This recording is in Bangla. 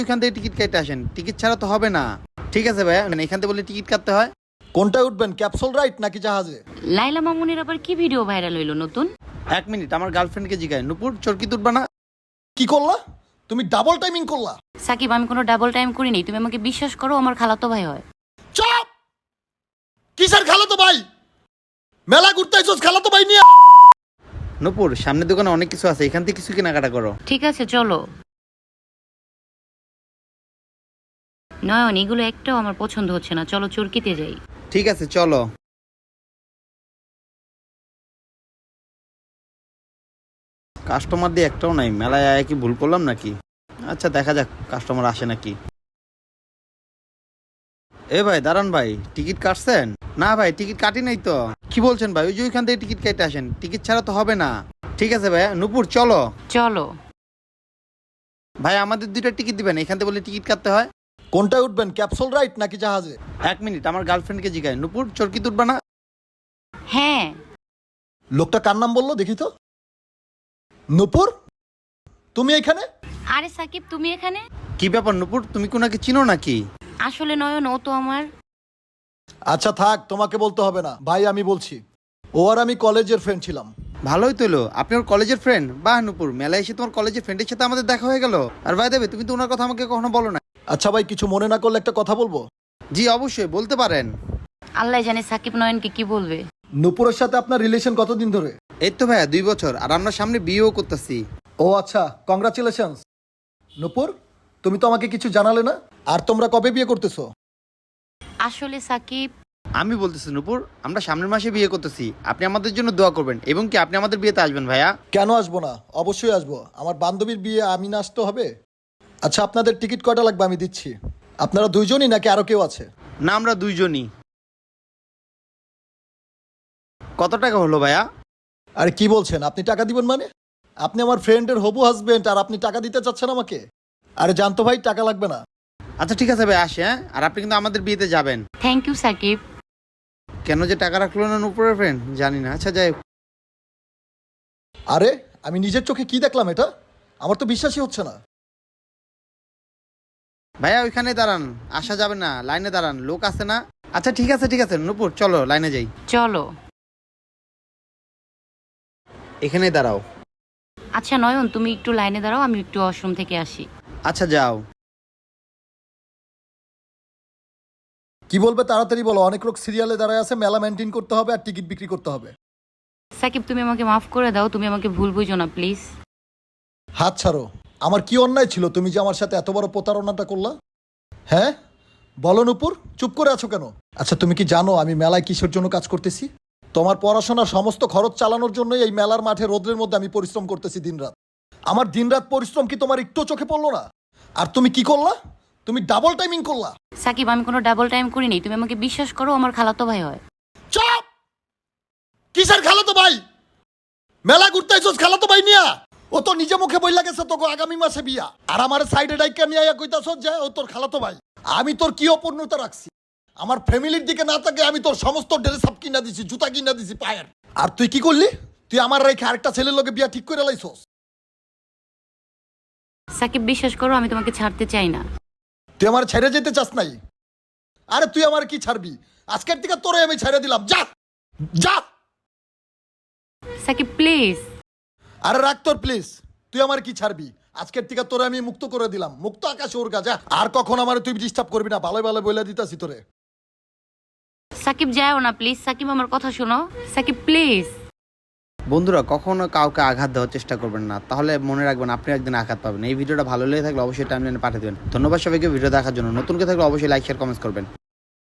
এখান থেকে টিকিট কেটে আসেন, টিকিট ছাড়া তো হবে না। ঠিক আছে ভাইয়া, মানে এখান থেকে বলে টিকিট কাটতে হয়। কোনটায় উঠবেন, ক্যাপসুল রাইড নাকি জাহাজে? লাইলা মামুনের আবার কি ভিডিও ভাইরাল হইলো নতুন? 1 মিনিট, আমার গার্লফ্রেন্ডকে জিগায়, নুপুর চরকি তুলবা না? কি করলা তুমি? ডাবল টাইমিং করলা। সাকিব, আমি কোনো ডাবল টাইম করিনি, তুমি আমাকে বিশ্বাস করো, আমার খালাতো ভাই হয়। চুপ! কিসের খালাতো ভাই? মেলা ঘুরতে আইছস খালাতো ভাই নিয়ে? নুপুর, সামনের দোকানে অনেক কিছু আছে, এখান থেকে কিছু কেনাকাটা করো। ঠিক আছে চলো। নয়ন, এগুলো একটাও আমার পছন্দ হচ্ছে না, চলো চরকিতে যাই। ঠিক আছে চলো। কাস্টমার দিয়ে একটাও নাই, মেলায় আয় কি ভুল করলাম নাকি? আচ্ছা দেখা যাক কাস্টমার আসে নাকি। এ ভাই দাঁড়ান ভাই, টিকিট কাটছেন? না ভাই টিকিট কাটি নাই তো। কি বলছেন ভাই? ওই যে ওইখান থেকে টিকিট কেটে আসেন, টিকিট ছাড়া তো হবে না। ঠিক আছে ভাই, নুপুর চলো। চলো। ভাই আমাদের 2টা টিকিট দিবেন, এখান থেকে বলে টিকিট কাটতে হয়। কোনটায় উঠবেন, ক্যাপসুল রাইড নাকি জাহাজে? 1 মিনিট, আমার গার্লফ্রেন্ডকে জিগায়, নুপুর চরকি তুলবা না? হ্যাঁ। লোকটা কার নাম বললো দেখি তো? নূপুর, তুমি এখানে? আরে সাকিব, তুমি এখানে? কি ব্যাপার নুপুর, তুমি কোনাকে চিনো নাকি? আসলে নয়ন, ও তো আমার। আচ্ছা থাক, তোমাকে বলতে হবে না ভাই, আমি বলছি। ও আর আমি কলেজের ফ্রেন্ড ছিলাম। ভালোই তো এলো, আপনি ওর কলেজের ফ্রেন্ড। বাহ নুপুর, মেলায় এসে তোমার কলেজের ফ্রেন্ডের সাথে আমাদের দেখা হয়ে গেল। আর ভাই দেবে, তুমি তো ওনার কথা আমাকে কখনো বলো না। আচ্ছা ভাই, কিছু মনে না করলে একটা কথা বলবো? জি অবশ্যই বলতে পারেন। আল্লাহ জানে সাকিব নয়নকে কি বলবে। নূপুরের সাথে আপনার রিলেশন কতদিন ধরে? এই তো ভাইয়া 2 বছর, আর আমরা সামনে বিয়েও করতেছি। ও আচ্ছা, কংগ্রাচুলেশনস। নূপুর, তুমি তো আমাকে কিছু জানালে না। আর তোমরা কবে বিয়ে করতেছো? আসলে সাকিব, আমি বলতেছি নুপুর, আমরা সামনের মাসে বিয়ে করতেছি, আপনি আমাদের জন্য দোয়া করবেন, এবং কি আপনি আমাদের বিয়েতে আসবেন ভাইয়া। কেন আসবো না, অবশ্যই আসবো। আমার বান্ধবীর বিয়ে, আমি না আসতে হবে? আচ্ছা, আপনাদের টিকিট কয়টা লাগবে আমি দিচ্ছি। আপনারা দুইজনই নাকি আরো কেউ আছে? না, আমরা 2জনই। কত টাকা হলো ভাইয়া? আরে কি বলছেন, আপনি টাকা দিবেন মানে? আপনি আমার ফ্রেন্ডের হবু হাজবেন্ড আর আপনি টাকা দিতে চাচ্ছেন আমাকে? আরে জানতো ভাই, টাকা লাগবে না। আচ্ছা ঠিক আছে ভাই, আসে হ্যাঁ। আর আপনি কিন্তু আমাদের বিয়েতে যাবেন। Thank you Sakib. কেন যে টাকা রাখলো না নুপুরের ফ্রেন্ড, জানি না। আচ্ছা যাই হোক। আরে আমি নিজের চোখে কি দেখলাম, এটা আমার তো বিশ্বাসই হচ্ছে না। ভাইয়া ওইখানে দাঁড়ান, আসা যাবে না, লাইনে দাঁড়ান, লোক আছে না। আচ্ছা ঠিক আছে ঠিক আছে নুপুর, চলো লাইনে যাই। চলো। এখানে দাঁড়াও। আচ্ছা নয়ন, তুমি একটু লাইনে দাঁড়াও, আমি একটু ওয়াশরুম থেকে আসি। আচ্ছা যাও। কি বলবে তাড়াতাড়ি বলো, অনেক লোক সিরিয়ালে দাঁড়ায় আছে, মেলা মেনটেন করতে হবে আর টিকিট বিক্রি করতে হবে। সাকিব, তুমি আমাকে মাফ করে দাও, তুমি আমাকে ভুল বুঝো না প্লিজ। হাত ছাড়ো। আমার কি অন্যায় ছিল তুমি যে আমার সাথে এত বড় প্রতারণাটা করলা? হ্যাঁ বলো নূপুর, চুপ করে আছো কেন? আচ্ছা তুমি কি জানো আমি মেলায় কিসের জন্য কাজ করতেছি? তোমার পড়াশোনার সমস্ত খরচ চালানোর জন্যই এই মেলার মাঠে রোদ্রের মধ্যে আমি পরিশ্রম করতেছি দিনরাত। আমার দিনরাত পরিশ্রম কি তোমার একটু চোখে পড়লো না? আর তুমি কি করলা? তুমি ডাবল টাইমিং করলা। সাকিব, আমি কোনো ডাবল টাইম করিনি, তুমি আমাকে বিশ্বাস করো, আমার খালাতো ভাই হয়। চুপ! কিসের খালাতো ভাই? মেলা ঘুরতে আইছস খালাতো ভাই নিয়া? ও তো নিজে মুখে বইলা গেছে তোকে আগামী মাসে বিয়া, আর আমার সাইডে ডাইকা নিয়ে আইয়া কইতাছস যে ও তোর খালাতো ভাই। আমি তোর কি অপূর্ণতা রাখছি? আমার ফ্যামিলির দিকে না তাকে আমি তোর সমস্ত ড্রেস আপ কিনা দিছি, জুতা কিনা দিছি পায়ের। আর তুই কি করলি? তুই আমার রেখে আরেকটা ছেলের লগে বিয়া ঠিক করে লাইছস। সাকিব, বিশ্বাস করো, আমি তোমাকে ছাড়তে চাই না। তুই আমার ছেড়ে যেতে চাস নাই? আরে তুই আমার কি ছাড়বি? আজকের থেকে তোরে আমি ছেড়ে দিলাম, যা যা। সাকিব প্লিজ। আরে রাখ তোর প্লিজ, তুই আমার কি ছাড়বি? আজকের থেকে তোরে আমি মুক্ত করে দিলাম, মুক্ত আকাশে ওর যা। আর কখন আমার তুই ডিস্টার্ব করবি না, ভালো ভালো বলে দিতাছি তোরে। সাকিব যাও না প্লিজ, সাকিব আমার কথা শোনো, সাকিব প্লিজ। বন্ধুরা, কখনো কাউকে আঘাত দেওয়ার চেষ্টা করবেন না, তাহলে মনে রাখবেন আপনি একদিন আঘাত পাবেন। এই ভিডিওটা ভালো লেগে থাকলে অবশ্যই টাইমলাইনে পাঠিয়ে দেবেন। ধন্যবাদ সবাইকে ভিডিও দেখার জন্য। নতুন কেউ থাকলে অবশ্যই লাইক শেয়ার কমেন্টস করবেন।